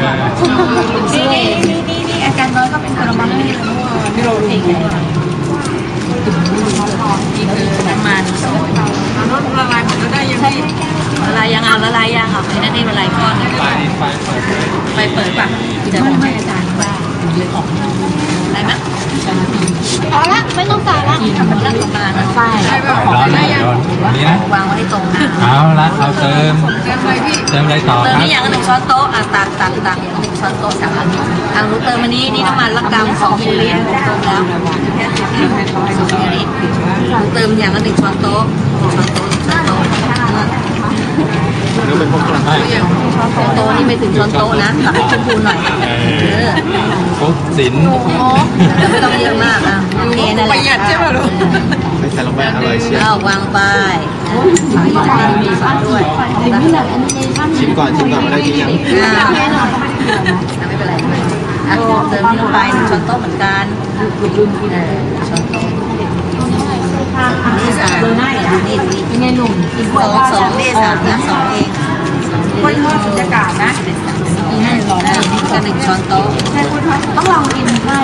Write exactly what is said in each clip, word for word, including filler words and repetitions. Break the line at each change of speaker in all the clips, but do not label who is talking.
นี่นี่นี่นี่อาจารย์น้อยก็เป็นคนละบ้างที่เราเองนี่คือน้ำมันซอยละลายหมดแล้วได้ยังไงละลายยังเอาละลายยังเอาไอ้นั่นนี่ละลายก้อนไฟไฟไฟเปิดป่ะจะบอกให้อาจารย์ว่าเลยออกอะไรมั้ยพอละไม่ต้องใส่ละทำมันเรื่องประมาณนั้นไฟร้อนได้ยังนี่นะวางไว้ตรงน้ำ
เอาละเราเติมเติมอะไรพี่เติมอะไรต่อครับเติมนี่อย่างหนึ่งช้อนโต๊ะอ่ะตักตักตักอย่างหนึ่งช้อนโต๊ะสามอันทางรู้เติมอันนี้นี่น้ำมันละกำสองมิลลิลิตรเติมแล้วสองมิลลิลิตรเติมอย่างละหนึ่งช้อนโต๊ะช้อนโต๊ะช้อนโต๊ะนี่เป็นพวกกระไร
ช้อนโต๊ะนี่ไม่ถึงช้อนโต๊ะนะตักให้ชมพูหน่อยเออ
ฟุกสิน
ไม่ต้องเยอะมากอ่ะโอเคนั่นแหละประหยัดใช่ไหมลูก
ไม่ใส่ลงไปอร่อยเชียว
เอาวางไปมีซอสด้วย
ชิมก่อนชิมก่อนไม่ได้ชิมยัง
ไม่เป็นไรอ่ะเติมลงไปหนึ่งช้อนโต๊ะเหมือนกันช้อนโต๊ะนี่สามนี่นี่เป็นไงหนุ่มสองสองนี่สามนะสองเองคนทอดบรรยากาศนะนี่ให้รอได้นี่ก็หนึ่งช้อนโต๊ะต้องลองกินได้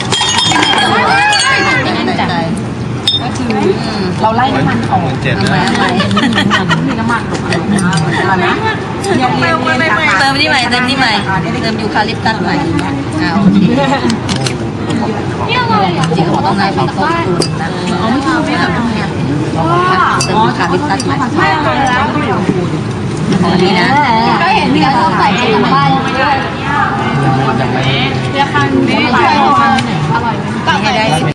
ก็คือเราไล่น้ำมันออกทำไมทำไมมีน้ำมันหลงมานะเติมนี่ใหม่เติมนี่ใหม่เติมยูคาลิปตัสใหม่อ่าโอเคจริงๆเขาต้องได้เป็นต้นทุนนะอ๋อไม่ชอบไม่แบบนี้เติมยูคาลิปตัสใหม่ไม่เลยแล้วอันนี้นะก็เห็นที่เขาใส่ในบ้านด้วยราคานี้อร่อยไหม